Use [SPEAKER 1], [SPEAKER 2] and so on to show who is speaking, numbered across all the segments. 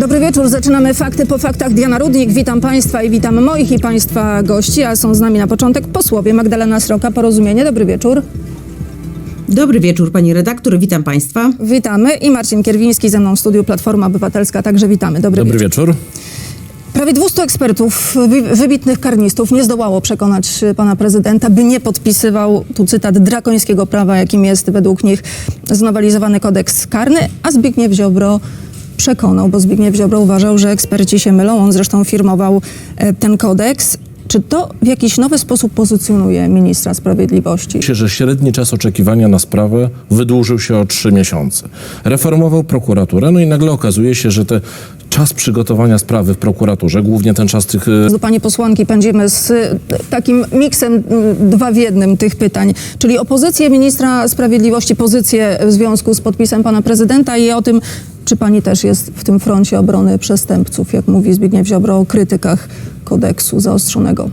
[SPEAKER 1] Dobry wieczór, zaczynamy Fakty po faktach. Diana Rudnik, witam Państwa i witam moich i Państwa gości, a są z nami na początek posłowie Magdalena Sroka, Porozumienie. Dobry wieczór.
[SPEAKER 2] Dobry wieczór, pani redaktor, witam Państwa.
[SPEAKER 1] Witamy i Marcin Kierwiński ze mną w studiu Platforma Obywatelska, także witamy. Dobry wieczór. Prawie 200 ekspertów, wybitnych karnistów nie zdołało przekonać pana prezydenta, by nie podpisywał, tu cytat, drakońskiego prawa, jakim jest według nich znowelizowany kodeks karny, a Zbigniew Ziobro przekonał, bo Zbigniew Ziobro uważał, że eksperci się mylą. On zresztą firmował ten kodeks. Czy to w jakiś nowy sposób pozycjonuje ministra sprawiedliwości?
[SPEAKER 3] Myślę, że średni czas oczekiwania na sprawę wydłużył się o 3 miesiące. Reformował prokuraturę, no i nagle okazuje się, że ten czas przygotowania sprawy w prokuraturze, głównie ten czas tych...
[SPEAKER 1] Do pani posłanki pędzimy z takim miksem 2 w 1 tych pytań, czyli o pozycję ministra sprawiedliwości, pozycję w związku z podpisem pana prezydenta i o tym, czy pani też jest w tym froncie obrony przestępców, jak mówi Zbigniew Ziobro o krytykach kodeksu zaostrzonego.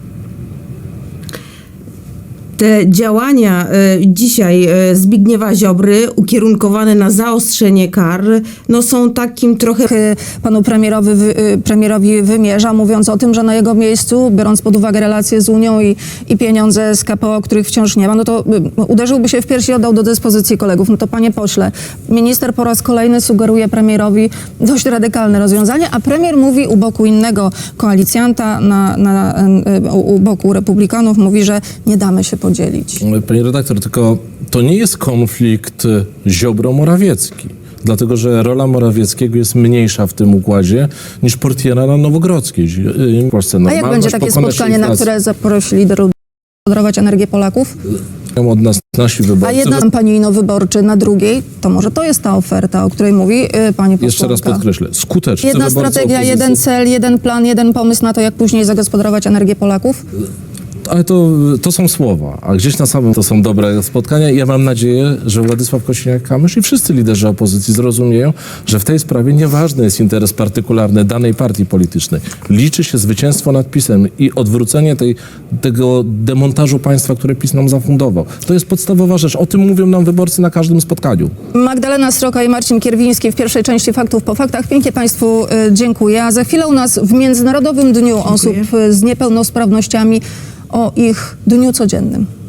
[SPEAKER 2] Te działania dzisiaj Zbigniewa Ziobry ukierunkowane na zaostrzenie kar, no są takim trochę...
[SPEAKER 1] Panu premierowi wymierza, mówiąc o tym, że na jego miejscu, biorąc pod uwagę relacje z Unią i pieniądze z KPO, których wciąż nie ma, no to uderzyłby się w piersi i oddał do dyspozycji kolegów. No to panie pośle, minister po raz kolejny sugeruje premierowi dość radykalne rozwiązanie, a premier mówi u boku innego koalicjanta, u boku republikanów, mówi, że nie damy się podzielić.
[SPEAKER 3] Pani redaktor, tylko to nie jest konflikt Ziobro-Morawiecki. Dlatego, że rola Morawieckiego jest mniejsza w tym układzie niż portiera na Nowogrodzkiej. W Polsce
[SPEAKER 1] a jak będzie takie spotkanie, na które zaprosi liderów kontrolować energię Polaków?
[SPEAKER 3] Od nas nasi wyborcy.
[SPEAKER 1] A jedna kampanijno wyborczy na drugiej, to może to jest ta oferta, o której mówi pani posłanka.
[SPEAKER 3] Jeszcze raz podkreślę, skutecznie.
[SPEAKER 1] Jedna strategia, jeden cel, jeden plan, jeden pomysł na to, jak później zagospodarować energię Polaków?
[SPEAKER 3] Ale to są słowa, a gdzieś na samym to są dobre spotkania i ja mam nadzieję, że Władysław Kosiniak-Kamysz i wszyscy liderzy opozycji zrozumieją, że w tej sprawie nieważny jest interes partykularny danej partii politycznej. Liczy się zwycięstwo nad PiS-em i odwrócenie tego demontażu państwa, które PiS nam zafundował. To jest podstawowa rzecz. O tym mówią nam wyborcy na każdym spotkaniu.
[SPEAKER 1] Magdalena Sroka i Marcin Kierwiński w pierwszej części Faktów po faktach. Pięknie Państwu dziękuję. A za chwilę u nas w Międzynarodowym Dniu Osób z Niepełnosprawnościami o ich dniu codziennym.